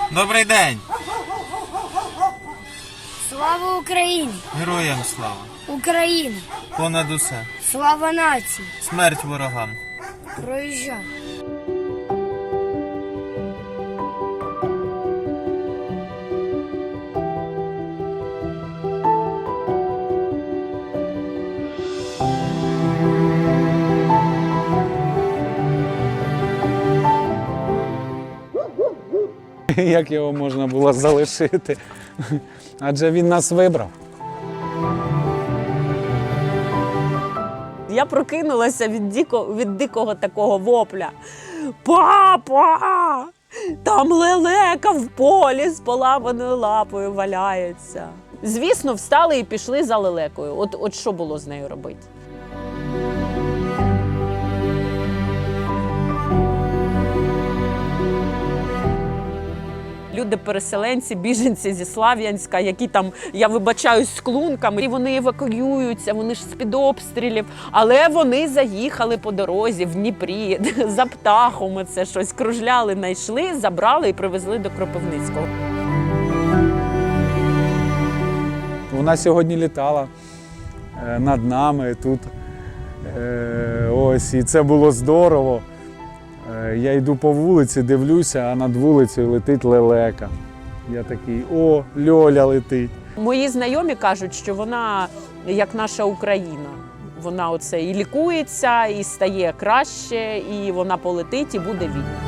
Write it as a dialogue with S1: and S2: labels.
S1: Добрий день!
S2: Слава Україні!
S1: Героям слава!
S2: Україна!
S1: Понад усе!
S2: Слава нації!
S1: Смерть ворогам!
S2: Проїжджай!
S3: Як його можна було залишити? Адже він нас вибрав.
S4: Я прокинулася від дикого такого вопля. Папа! Там лелека в полі з поламаною лапою валяється. Звісно, встали і пішли за лелекою. От що було з нею робити? Люди-переселенці, біженці зі Слов'янська, які там, я вибачаюсь, з клунками, і вони евакуюються, вони ж з-під обстрілів, але вони заїхали по дорозі в Дніпрі, за птахом оце щось кружляли, знайшли, забрали і привезли до Кропивницького.
S3: Вона сьогодні літала над нами тут. Ось, і це було здорово. Я йду по вулиці, дивлюся, а над вулицею летить лелека. Я такий: о, Льоля летить.
S4: Мої знайомі кажуть, що вона як наша Україна. Вона оце і лікується, і стає краще, і вона полетить, і буде вільна.